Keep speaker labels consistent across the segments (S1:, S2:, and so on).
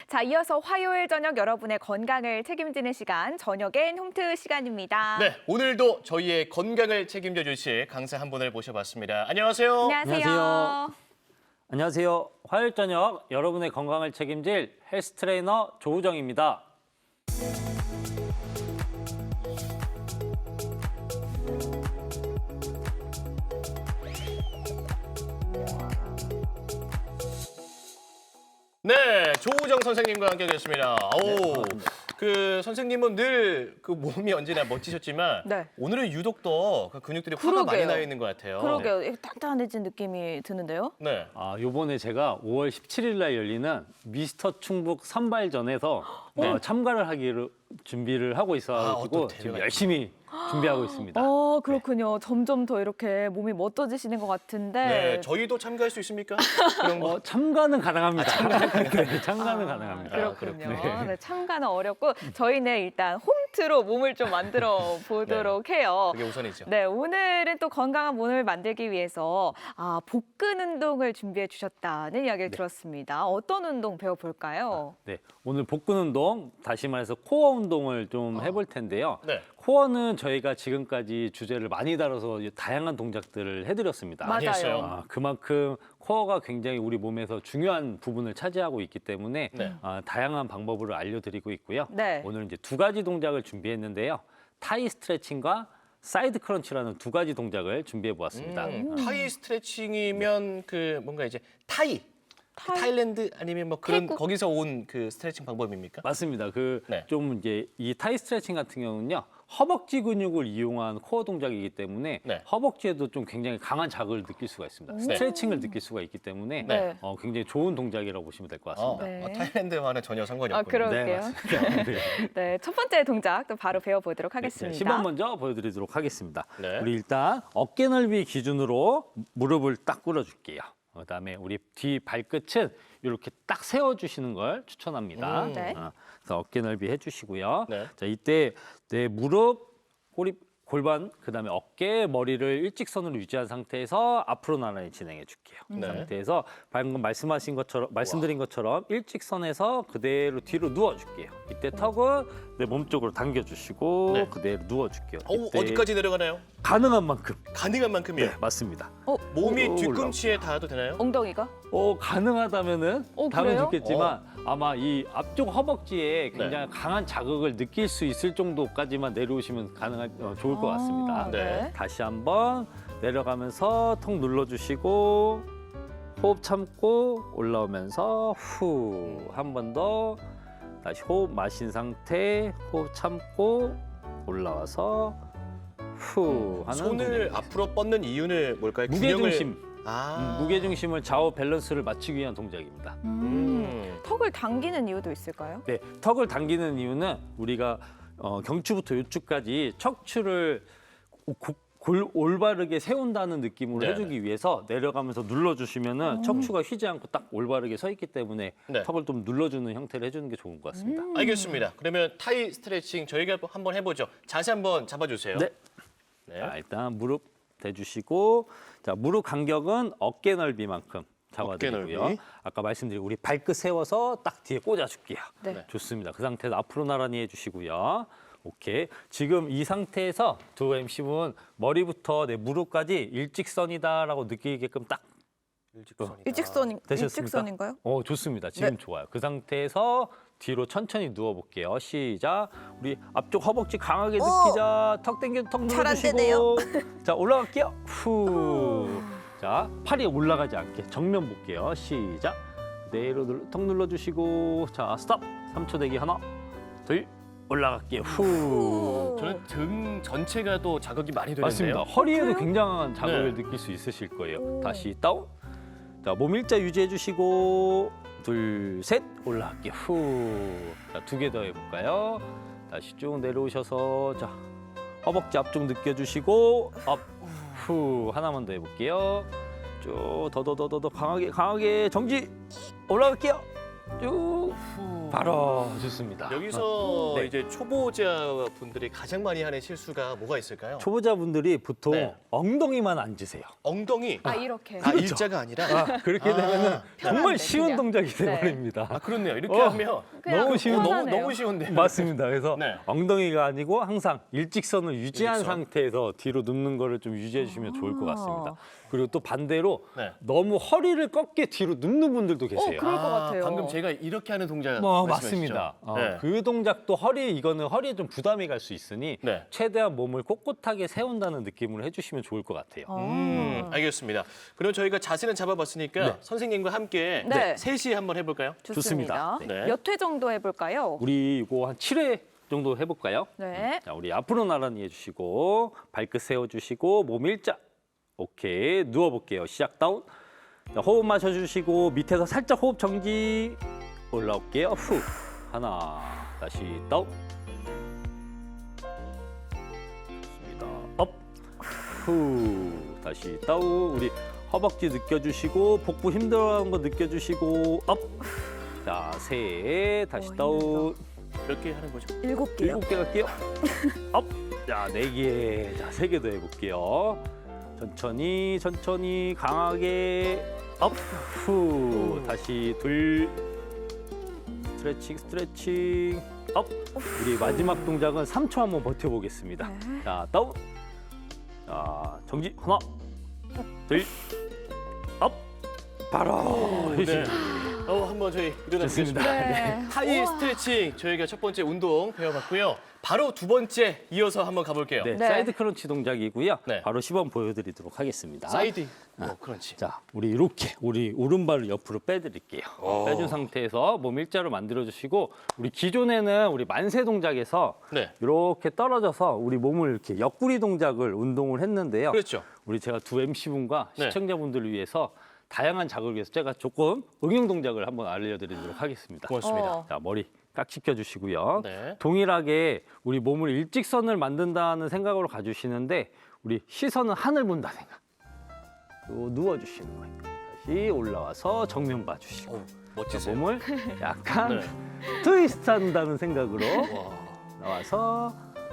S1: 자, 이어서 화요일 저녁 여러분의 건강을 책임지는 시간, 저녁엔 홈트 시간입니다.
S2: 네, 오늘도 저희의 건강을 책임져 주실 강사 한 분을 모셔봤습니다. 안녕하세요.
S1: 안녕하세요.
S3: 안녕하세요. 화요일 저녁 여러분의 건강을 책임질 헬스 트레이너 조우정입니다.
S2: 네, 조우정 선생님과 함께하겠습니다. 오, 그 선생님은 늘 그 몸이 언제나 멋지셨지만
S1: 네.
S2: 오늘은 유독 더 그 근육들이 화가 많이
S1: 그러게요.
S2: 나 있는 것 같아요.
S1: 그러게요. 이거 단단해진 느낌이 드는데요.
S2: 네.
S3: 요번에 제가 5월 17일 날 열리는 미스터 충북 선발전에서 참가를 하기로 준비를 하고 있어가지고
S2: 어떤
S3: 지금
S2: 대회가
S3: 열심히 준비하고 있습니다.
S1: 그렇군요. 점점 더 이렇게 몸이 멋져지시는 것 같은데.
S2: 네, 저희도 참가할 수 있습니까? 그런 거.
S3: 참가는 가능합니다. 네, 참가는 가능합니다.
S1: 그렇군요.
S2: 그렇군요.
S1: 네, 참가는 어렵고 저희는 일단 홈트로 몸을 좀 만들어 보도록 해요.
S2: 그게 우선이죠.
S1: 네, 오늘은 또 건강한 몸을 만들기 위해서 복근 운동을 준비해 주셨다는 이야기를 들었습니다. 어떤 운동 배워볼까요?
S3: 네, 오늘 복근 운동, 다시 말해서 코어 운동을 좀 해볼 텐데요.
S2: 네.
S3: 코어는 저희가 지금까지 주제를 많이 다뤄서 다양한 동작들을 해드렸습니다.
S2: 많이 했어요.
S1: 맞아요.
S3: 그만큼 코어가 굉장히 우리 몸에서 중요한 부분을 차지하고 있기 때문에
S2: 네.
S3: 다양한 방법을 알려드리고 있고요.
S1: 네.
S3: 오늘 이제 두 가지 동작을 준비했는데요. 타이 스트레칭과 사이드 크런치라는 두 가지 동작을 준비해 보았습니다.
S2: 타이 스트레칭이면 그 뭔가 이제 타일랜드 아니면 뭐 그런
S1: 태국?
S2: 거기서 온 그 스트레칭 방법입니까?
S3: 맞습니다.
S2: 네.
S3: 좀 이제 이 타이 스트레칭 같은 경우는요. 허벅지 근육을 이용한 코어 동작이기 때문에
S2: 네.
S3: 허벅지에도 좀 굉장히 강한 자극을 느낄 수가 있습니다. 스트레칭을 느낄 수가 있기 때문에
S1: 네.
S3: 굉장히 좋은 동작이라고 보시면 될 것 같습니다.
S1: 네.
S2: 타일랜드와는 전혀 상관이 없군요.
S1: 그러게요.
S3: 맞습니다. 네.
S1: 네, 첫 번째 동작 또 바로 배워보도록
S3: 자,
S1: 하겠습니다.
S3: 시범 먼저 보여드리도록 하겠습니다.
S2: 네.
S3: 우리 일단 어깨 넓이 기준으로 무릎을 딱 꿇어줄게요. 그다음에 우리 뒤 발끝은 이렇게 딱 세워주시는 걸 추천합니다.
S1: 네.
S3: 그래서 어깨 넓이 해주시고요.
S2: 네.
S3: 자, 이때 내 무릎, 꼬리, 골반, 그다음에 어깨, 머리를 일직선으로 유지한 상태에서 앞으로 나란히 진행해 줄게요. 그
S2: 네.
S3: 상태에서 방금 말씀드린 것처럼 일직선에서 그대로 뒤로 누워줄게요. 이때 턱은 내 몸쪽으로 당겨주시고
S2: 네.
S3: 그대로 누워줄게요. 이때
S2: 어디까지 내려가나요?
S3: 가능한 만큼.
S2: 가능한 만큼이요.
S3: 네, 맞습니다.
S2: 몸이
S3: 오,
S2: 뒤꿈치에 닿아도 되나요?
S1: 엉덩이가?
S3: 가능하다면은
S1: 그래요?
S3: 닿으면 좋겠지만 아마 이 앞쪽 허벅지에 굉장히 강한 자극을 느낄 수 있을 정도까지만 내려오시면 좋을 것 같습니다.
S2: 네.
S3: 다시 한번 내려가면서 턱 눌러주시고 호흡 참고 올라오면서 후 한 번 더 다시 호흡 마신 상태 호흡 참고 올라와서 후 하는
S2: 손을
S3: 동작입니다.
S2: 앞으로 뻗는 이유는 뭘까요?
S3: 무게중심
S2: 아.
S3: 무게중심을 좌우 밸런스를 맞추기 위한 동작입니다.
S1: 턱을 당기는 이유도 있을까요?
S3: 네, 턱을 당기는 이유는 우리가 경추부터 요추까지 척추를 올바르게 세운다는 느낌으로
S2: 네네.
S3: 해주기 위해서 내려가면서 눌러주시면은 척추가 휘지 않고 딱 올바르게 서 있기 때문에
S2: 네.
S3: 턱을 좀 눌러주는 형태를 해주는 게 좋은 것 같습니다.
S2: 알겠습니다. 그러면 타이 스트레칭 저희가 한번 해보죠. 자세 한번 잡아주세요.
S3: 네.
S2: 네.
S3: 자, 일단 무릎 대주시고 자 무릎 간격은 어깨 넓이만큼 잡아드리고요.
S2: 넓이.
S3: 아까 말씀드린 우리 발끝 세워서 딱 뒤에 꽂아줄게요.
S1: 네.
S3: 좋습니다. 그 상태에서 앞으로 나란히 해주시고요. 오케이. 지금 이 상태에서 두 MC분 머리부터 내 무릎까지 일직선이다라고 느끼게끔 딱
S2: 일직선이다.
S3: 되셨습니까?
S1: 일직선인가요?
S3: 좋습니다. 지금
S1: 네.
S3: 좋아요. 그 상태에서 뒤로 천천히 누워볼게요. 시작. 우리 앞쪽 허벅지 강하게 느끼자. 턱 당겨, 턱
S1: 잘안
S3: 눌러주시고. 자, 올라갈게요. 후. 자, 팔이 올라가지 않게 정면 볼게요. 시작. 그대로 턱 눌러주시고. 자, 스톱. 3초 대기 하나, 둘, 올라갈게요. 후.
S2: 저는 등 전체가 또 자극이 많이 되는데요.
S3: 맞습니다. 허리에도
S1: 그래요?
S3: 굉장한 자극을
S2: 네.
S3: 느낄 수 있으실 거예요. 다시 다운. 자, 몸 일자 유지해 주시고 둘, 셋 올라갈게요. 후. 자, 두 개 더 해볼까요? 다시 쭉 내려오셔서 자, 허벅지 앞쪽 느껴주시고 업, 후. 하나만 더 해볼게요. 쭉 더 강하게 정지 올라갈게요. 쭉.
S2: 후.
S3: 바로 좋습니다.
S2: 여기서
S3: 네.
S2: 이제 초보자 분들이 가장 많이 하는 실수가 뭐가 있을까요?
S3: 초보자분들이 보통
S2: 네.
S3: 엉덩이만 앉으세요.
S2: 엉덩이.
S1: 이렇게.
S2: 아, 일자가 아니라.
S3: 그렇게 되면은 정말
S1: 편한데,
S3: 쉬운
S1: 그냥.
S3: 동작이
S1: 네.
S3: 돼버립니다.
S2: 아, 그렇네요. 이렇게 하면
S1: 그냥
S3: 너무 쉬운
S1: 편하네요.
S2: 너무 쉬운데.
S3: 맞습니다. 그래서
S2: 네.
S3: 엉덩이가 아니고 항상 일직선을 유지한
S2: 일직선.
S3: 상태에서 뒤로 눕는 거를 좀 유지해 주시면 좋을 것 같습니다. 그리고 또 반대로
S2: 네.
S3: 너무 허리를 꺾게 뒤로 눕는 분들도 계세요.
S1: 그럴 것 같아요.
S2: 방금 제가 이렇게 하는 동작
S3: 맞습니다.
S2: 네.
S3: 그 동작도 이거는 허리에 좀 부담이 갈 수 있으니
S2: 네.
S3: 최대한 몸을 꼿꼿하게 세운다는 느낌으로 해주시면 좋을 것 같아요.
S2: 알겠습니다. 그럼 저희가 자세는 잡아봤으니까
S3: 네.
S2: 선생님과 함께
S1: 네.
S2: 셋이 한번 해볼까요?
S1: 좋습니다.
S2: 네.
S1: 몇 회 정도 해볼까요?
S3: 우리 이거 한 7회 정도 해볼까요?
S1: 네.
S3: 자, 우리 앞으로 나란히 해주시고 발끝 세워주시고 몸 일자. 오케이, 누워볼게요. 시작 다운. 자, 호흡 마셔주시고 밑에서 살짝 호흡 정지. 올라올게요. 후. 하나. 다시 다운. 좋습니다. 업. 후. 다시 다운. 우리 허벅지 느껴주시고 복부 힘들어하는 거 느껴주시고 업. 자, 셋. 다시 다운.
S2: 몇 개 하는 거죠?
S1: 7개요.
S3: 7개 갈게요. 업. 자, 4개. 자, 3개 더 해볼게요. 천천히 강하게 업. 후. 다시 둘. 스트레칭. 업. 우리 마지막 동작은 3초 한번 버텨보겠습니다.
S1: 네.
S3: 자, 다운. 자, 정지. 하나. 둘. 업. 바로.
S2: 네. 한번 저희 일어나
S3: 좋습니다.
S2: 보겠습니다.
S1: 네.
S2: 하이 스트레칭 저희가 첫 번째 운동 배워봤고요. 바로 두 번째 이어서 한번 가볼게요.
S3: 네,
S1: 네.
S3: 사이드 크런치 동작이고요.
S2: 네.
S3: 바로 시범 보여드리도록 하겠습니다.
S2: 사이드 크런치.
S3: 자, 우리 이렇게 우리 오른발을 옆으로 빼드릴게요.
S2: 오.
S3: 빼준 상태에서 몸 일자로 만들어주시고 우리 기존에는 우리 만세 동작에서
S2: 네.
S3: 이렇게 떨어져서 우리 몸을 이렇게 옆구리 동작을 운동을 했는데요.
S2: 그렇죠.
S3: 우리 제가 두 MC분과
S2: 네.
S3: 시청자분들을 위해서 다양한 자극을 위해서 제가 조금 응용 동작을 한번 알려드리도록 하겠습니다.
S2: 고맙습니다.
S3: 자, 머리 깍지 껴주시고요.
S2: 네.
S3: 동일하게 우리 몸을 일직선을 만든다는 생각으로 가주시는데 우리 시선은 하늘 본다 생각. 또 누워주시는 거예요. 다시 올라와서 정면 봐주시고
S2: 오, 멋지세요.
S3: 몸을 약간
S2: 네.
S3: 트위스트 한다는 생각으로
S2: 와.
S3: 나와서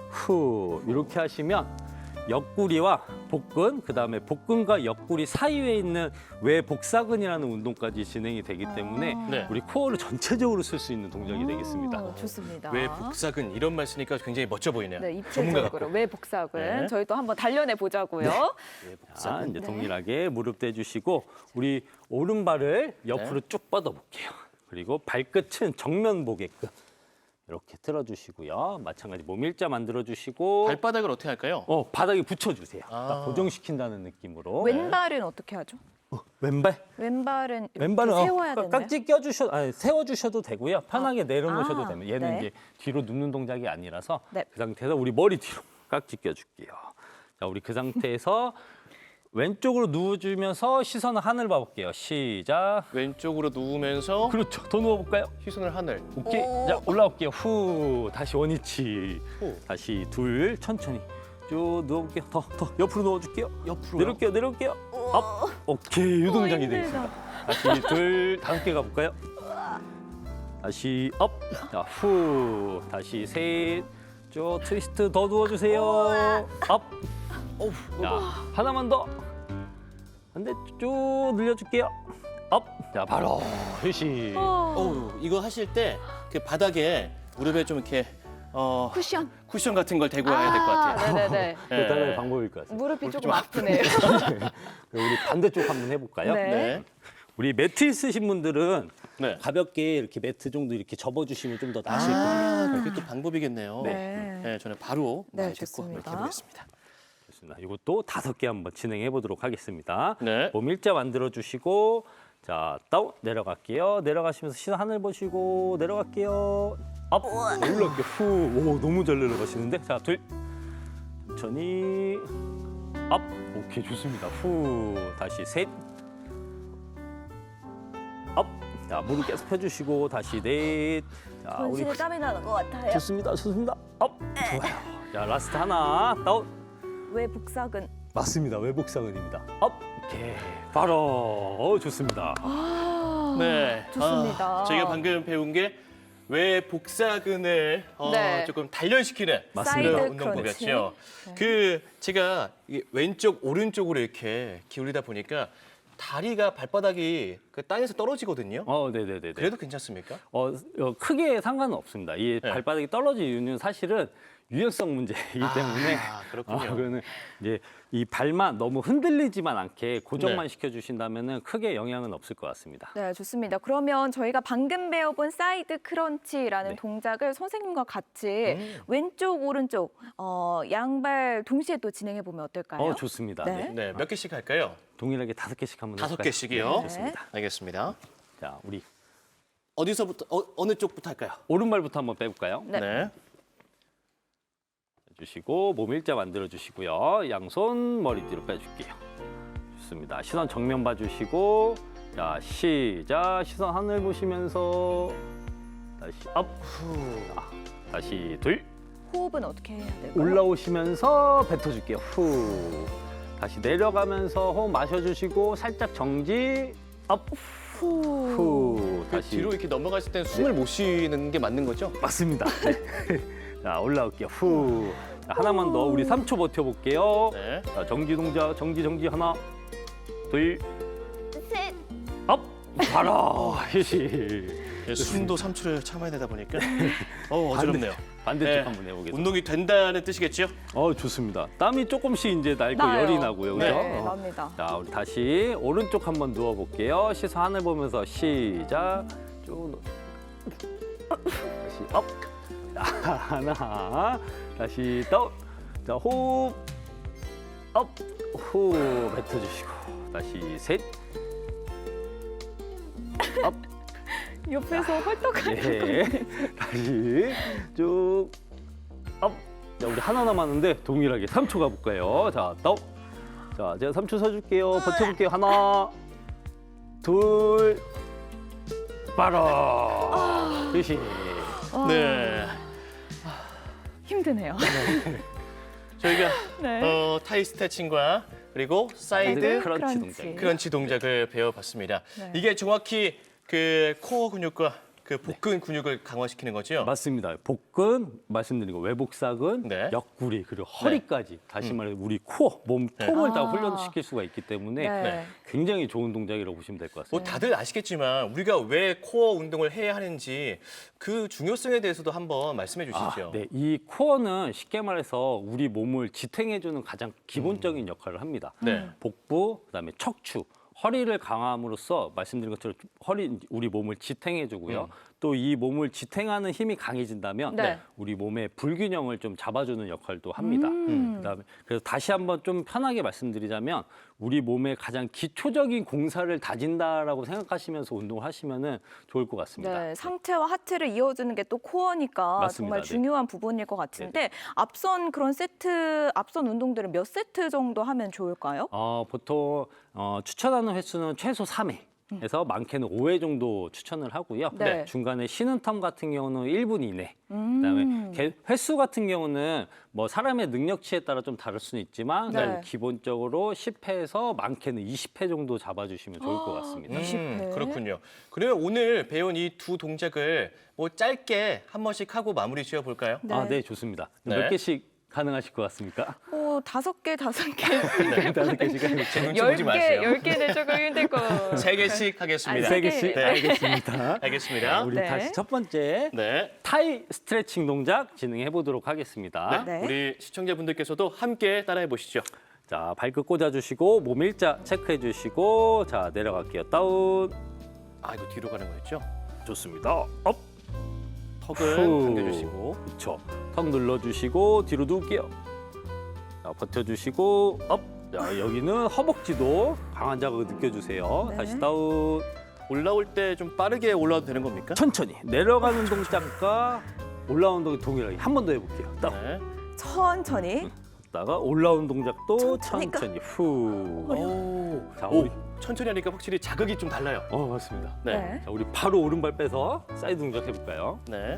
S3: 후 이렇게 하시면 옆구리와 복근, 그다음에 복근과 옆구리 사이에 있는 외복사근이라는 운동까지 진행이 되기 때문에
S2: 네.
S3: 우리 코어를 전체적으로 쓸 수 있는 동작이 되겠습니다.
S1: 좋습니다.
S2: 왜 복사근 이런 말 쓰니까 굉장히 멋져 보이네요.
S1: 네,
S2: 전문가
S1: 입체적으로
S2: 같고.
S1: 왜 복사근
S2: 네.
S1: 저희 또 한번 단련해 보자고요.
S3: 자, 이제
S1: 네.
S3: 동일하게 무릎 대주시고 우리 오른발을 옆으로 쭉 뻗어볼게요. 그리고 발끝은 정면 보게끔 이렇게 틀어주시고요. 마찬가지 몸 일자 만들어주시고
S2: 발바닥을 어떻게 할까요?
S3: 바닥에 붙여주세요.
S2: 아.
S3: 딱 고정시킨다는 느낌으로.
S1: 왼발은 어떻게 하죠?
S3: 왼발?
S1: 왼발은 이렇게
S3: 왼발은
S1: 세워야 되나요?
S3: 깍지 세워주셔도 되고요. 편하게 내려놓으셔도 됩니다. 얘는
S1: 네.
S3: 이제 뒤로 눕는 동작이 아니라서
S1: 네.
S3: 그 상태에서 우리 머리 뒤로 깍지 껴줄게요. 자, 우리 그 상태에서 왼쪽으로 누워주면서 시선을 하늘 봐볼게요. 시작.
S2: 왼쪽으로 누우면서
S3: 그렇죠. 더 누워볼까요?
S2: 시선을 하늘.
S3: 오케이. 자, 올라올게요. 후. 다시 원위치.
S2: 후.
S3: 다시 둘. 천천히. 쭉 누워볼게요. 더 옆으로 누워줄게요.
S2: 옆으로요?
S3: 내려올게요. 업. 오케이. 이 동작이
S1: 힘들다.
S3: 되겠습니다. 다시 둘. 5개 가볼까요? 다시 업. 자, 후. 다시 셋. 쭉 트위스트 더 누워주세요. 업.
S2: 어우,
S3: 자, 하나만 더. 반대 쭉 늘려줄게요. 업. 자, 바로 휴식.
S2: 어우, 이거 하실 때 그 바닥에 무릎에 좀 이렇게 쿠션 같은 걸 대고 와야 될 것 같아요.
S1: 네네네.
S3: 그 다른 방법일 것 같습니다.
S1: 무릎이 조금 아프네요.
S3: 우리 반대쪽 한번 해볼까요?
S1: 네.
S2: 네.
S3: 우리 매트 있으신 분들은
S2: 네.
S3: 가볍게 이렇게 매트 정도 이렇게 접어주시면 좀 더 나으실 거예요.
S2: 그게 또 방법이겠네요.
S1: 네.
S2: 네, 저는 바로
S1: 네,
S2: 말 듣고
S1: 좋습니다.
S2: 이렇게 해보겠습니다.
S3: 좋습니다. 이것도 5개 한번 진행해 보도록 하겠습니다.
S2: 네.
S3: 몸 일자 만들어 주시고 자 다운 내려갈게요. 내려가시면서 시선 하늘 보시고 내려갈게요. 업 올라갈게요. 후. 오 너무 잘 내려가시는데 자 둘 천천히 업 오케이 좋습니다. 후 다시 셋 업. 자 무릎 계속 펴주시고 다시 넷. 자 우리
S1: 전신에 땀이 나는 것 같아요.
S3: 좋습니다. 업 좋아요. 자 라스트 하나 다운.
S1: 왜 복사근?
S3: 맞습니다. 외복사근입니다. 업 오케이 바로 좋습니다.
S1: 아,
S2: 네.
S1: 좋습니다.
S2: 저희가 방금 배운 게 외 복사근을
S1: 네.
S2: 조금 단련시키는
S3: 맞습니다.
S2: 그런
S1: 사이드
S2: 운동법이었죠.
S1: 크런치.
S2: 그 제가 이게 왼쪽 오른쪽으로 이렇게 기울이다 보니까 다리가 발바닥이 그 땅에서 떨어지거든요.
S3: 네네네.
S2: 그래도 괜찮습니까?
S3: 크게 상관은 없습니다. 이
S2: 네.
S3: 발바닥이 떨어진 이유는 사실은 유연성 문제이기 때문에
S2: 그렇군요.
S3: 그거는 이제 이 발만 너무 흔들리지만 않게 고정만
S2: 네.
S3: 시켜주신다면은 크게 영향은 없을 것 같습니다.
S1: 네, 좋습니다. 그러면 저희가 방금 배워본 사이드 크런치라는
S3: 네.
S1: 동작을 선생님과 같이 왼쪽, 오른쪽 양발 동시에 또 진행해 보면 어떨까요?
S3: 좋습니다.
S1: 네.
S3: 네.
S2: 네, 몇 개씩 할까요?
S3: 동일하게 5개씩 한번
S2: 5개씩이요.
S1: 네.
S3: 좋습니다.
S2: 알겠습니다.
S3: 자, 우리
S2: 어디서부터 어느 쪽부터 할까요?
S3: 오른발부터 한번 빼볼까요?
S1: 네.
S3: 주시고 몸 일자 만들어 주시고요. 양손 머리 뒤로 빼줄게요. 좋습니다. 시선 정면 봐주시고 자 시작. 시선 하늘 보시면서 다시 업. 자, 다시 둘.
S1: 호흡은 어떻게 해야 될까요?
S3: 올라오시면서 뱉어줄게요. 후. 다시 내려가면서 호흡 마셔주시고 살짝 정지. 업. 후.
S2: 그
S3: 다시
S2: 뒤로 이렇게 넘어갔을 땐 숨을 못 쉬는 게 맞는 거죠?
S3: 맞습니다. 네. 자 올라올게요. 후. 자, 하나만 더 우리 3초 버텨볼게요.
S2: 네.
S3: 자, 정지 동작, 정지 하나, 둘,
S1: 셋.
S3: 업, 바로 휴식.
S2: 숨도 3초를 참아야 되다 보니까 어지럽네요.
S3: 반대쪽
S2: 네.
S3: 한번 해보겠습니다.
S2: 운동이 된다는 뜻이겠죠?
S3: 좋습니다. 땀이 조금씩 이제 날고
S1: 나요.
S3: 열이 나고요, 그죠?
S1: 네, 납니다.
S3: 자, 우리 다시 오른쪽 한번 누워볼게요. 시선 하늘 보면서 시작. 쭉 다시 업. 자, 하나, 다시 다운. 자, 호흡, 업, 후 뱉어주시고 다시 셋, 업.
S1: 옆에서 헐떡하는
S3: 네. 다시 쭉 업. 자, 우리 하나 남았는데 동일하게 3초 가볼까요? 자, 다운. 자, 제가 3초 서줄게요. 버텨볼게요. 하나, 둘, 바로. 휴식.
S2: 네.
S1: 힘드네요.
S2: 저희가
S1: 네.
S2: 타이 스트레칭과 그리고 사이드
S1: 사이드
S3: 크런치
S1: 크런치.
S3: 동작.
S2: 크런치 동작을 배워봤습니다.
S1: 네.
S2: 이게 정확히 그 코어 근육과 그 복근 근육을 강화시키는 거죠?
S3: 맞습니다. 복근 말씀드린 거 외복사근,
S2: 네.
S3: 옆구리 그리고 허리까지 다시 말해 우리 코어, 몸통을 다
S1: 아.
S3: 훈련시킬 수가 있기 때문에
S1: 네.
S3: 굉장히 좋은 동작이라고 보시면 될 것
S2: 뭐
S3: 같습니다.
S2: 다들 아시겠지만 우리가 왜 코어 운동을 해야 하는지 그 중요성에 대해서도 한번 말씀해 주시죠.
S3: 네, 이 코어는 쉽게 말해서 우리 몸을 지탱해주는 가장 기본적인 역할을 합니다.
S2: 네.
S3: 복부, 그다음에 척추, 허리를 강함으로써 말씀드린 것처럼 우리 몸을 지탱해주고요. 또 이 몸을 지탱하는 힘이 강해진다면
S1: 네.
S3: 우리 몸의 불균형을 좀 잡아주는 역할도 합니다. 그다음에 그래서 다시 한번 좀 편하게 말씀드리자면 우리 몸의 가장 기초적인 공사를 다진다라고 생각하시면서 운동을 하시면은 좋을 것 같습니다.
S1: 네, 상체와 하체를 이어주는 게 또 코어니까
S3: 맞습니다.
S1: 정말
S3: 네.
S1: 중요한 부분일 것 같은데 앞선 운동들은 몇 세트 정도 하면 좋을까요?
S3: 보통 추천하는 횟수는 최소 3회. 해서 많게는 5회 정도 추천을 하고요.
S1: 네.
S3: 중간에 쉬는 텀 같은 경우는 1분 이내. 그다음에 횟수 같은 경우는 뭐 사람의 능력치에 따라 좀 다를 수는 있지만
S1: 네.
S3: 그래도 기본적으로 10회에서 많게는 20회 정도 잡아주시면 좋을 것 같습니다.
S1: 20회.
S2: 그렇군요. 그러면 오늘 배운 이 두 동작을 뭐 짧게 한 번씩 하고 마무리 지어 볼까요?
S1: 네.
S3: 네, 좋습니다.
S2: 네.
S3: 몇 개씩 가능하실 것 같습니까?
S1: 5개, 5개.
S3: 네, 5개씩 하면
S2: 제 눈치 보지 마세요.
S1: 10개는 조금 힘들 거.
S2: 3개씩 하겠습니다.
S1: 아니,
S3: 3개씩
S2: 네.
S3: 알겠습니다.
S2: 알겠습니다.
S3: 우리
S1: 네.
S3: 다시 첫 번째
S2: 네.
S3: 타이 스트레칭 동작 진행해 보도록 하겠습니다.
S1: 네.
S2: 우리 시청자분들께서도 함께 따라해 보시죠.
S3: 자, 발끝 꽂아주시고 몸 일자 체크해주시고 자 내려갈게요. 다운.
S2: 이거 뒤로 가는 거였죠?
S3: 좋습니다. 업.
S2: 턱은
S3: 후.
S2: 당겨주시고.
S3: 그렇죠. 턱 눌러주시고 뒤로 누울게요. 자, 버텨주시고 업. 자, 여기는 허벅지도 강한 자극을 느껴주세요.
S1: 네.
S3: 다시 다운.
S2: 올라올 때 좀 빠르게 올라와도 되는 겁니까?
S3: 천천히 내려가는 동작과 올라오는 동작 동일하게 한 번 더 해볼게요. 다운.
S2: 네.
S1: 천천히.
S3: 다가 올라오는 동작도
S1: 천천히.
S3: 천천히 후.
S2: 오.
S3: 자,
S2: 오,
S3: 우리
S2: 천천히 하니까 확실히 자극이 좀 달라요.
S3: 맞습니다.
S2: 네.
S1: 네.
S3: 자, 우리 바로 오른발 빼서 사이드 동작 해볼까요?
S2: 네.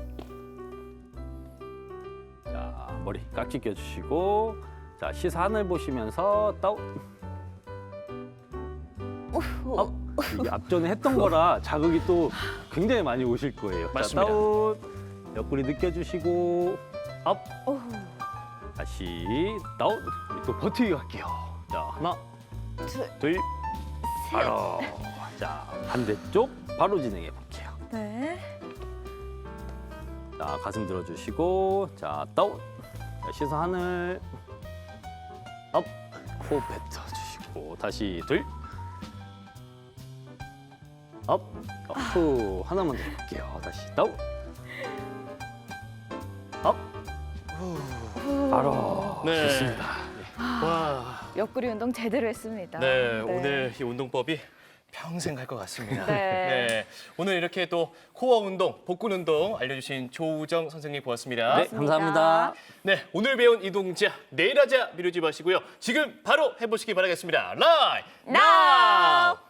S3: 자, 머리 깍지 껴주시고 자, 시선 하늘 보시면서 다운. 업. 이게 앞전에 했던 거라 자극이 또 굉장히 많이 오실 거예요.
S2: 맞습니다.
S3: 자, 다운. 옆구리 느껴주시고 업.
S1: 오.
S3: 다시 다운. 우리 또 버티기 갈게요. 자, 하나, 둘, 바로. 자, 반대쪽 바로 진행해 볼게요.
S1: 네.
S3: 자, 가슴 들어주시고, 자, 다운. 자, 시선 하늘. 업. 호흡 뱉어주시고, 다시 둘. 업. 후. 하나만 더 해볼게요. 다시 다운. 업. 바로.
S2: 네.
S3: 좋습니다.
S2: 와.
S1: 옆구리 운동 제대로 했습니다.
S2: 네, 오늘 이 운동법이 평생 갈 것 같습니다.
S1: 네.
S2: 오늘 이렇게 또 코어 운동, 복근 운동 알려주신 조우정 선생님 고맙습니다.
S3: 네, 감사합니다.
S2: 네, 오늘 배운 이 동작 내일 하자 미루지 마시고요. 지금 바로 해보시기 바라겠습니다. 라이
S1: now!